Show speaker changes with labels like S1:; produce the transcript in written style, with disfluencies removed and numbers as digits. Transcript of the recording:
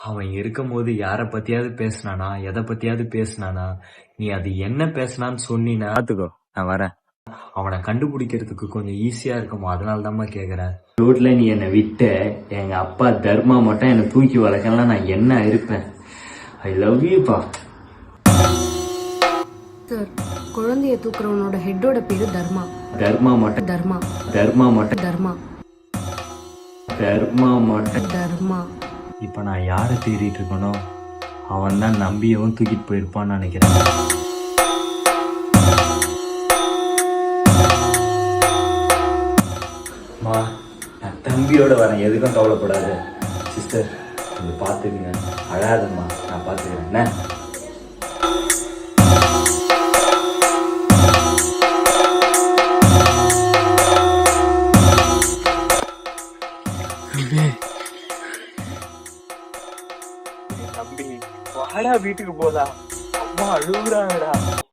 S1: அவன் இருக்கும்போது யார பத்தியாவது பேசுனானா, எத பத்தியாவது பேசுனானா, நீ அது என்ன பேசுனான்னு சொன்னீனா
S2: பாத்துக்கோ, நான் வரேன்.
S1: அவனை கண்டுபிடிக்கிறதுக்கு கொஞ்சம் ஈஸியா இருக்குமா, அதனால தான்மா கேக்குறேன். ரோட்ல நீ என்னை விட்ட எங்க அப்பா தர்மா மட்டும் என்னை தூக்கி வளர்க்கலாம், நான் என்ன இருப்பேன். I love யூப்பா.
S3: சார், குழந்தைய தூக்குறவனோட ஹெட்டோட பேரு தர்மா.
S1: தர்மா மட்டும்
S3: தர்மா
S1: தர்மா மட்டும்
S3: தர்மா
S1: தர்மா மட்டும்
S3: தர்மா.
S1: இப்ப நான் யாரை தேடிட்டு இருக்கனோ அவன் தான் நம்பியவும் தூக்கிட்டு போயிருப்பான்னு நினைக்கிறேன். மா, நான் தம்பியோட வரேன், எதுக்கும் கவலைப்படாது. சிஸ்டர் கொஞ்சம் பார்த்துக்குங்க, அழாதம்மா, நான் பார்த்துக்கிறேன் என்ன.
S2: தம்பி வாடா, வீட்டுக்கு போலாம். அம்மா அழுகுறாங்கடா.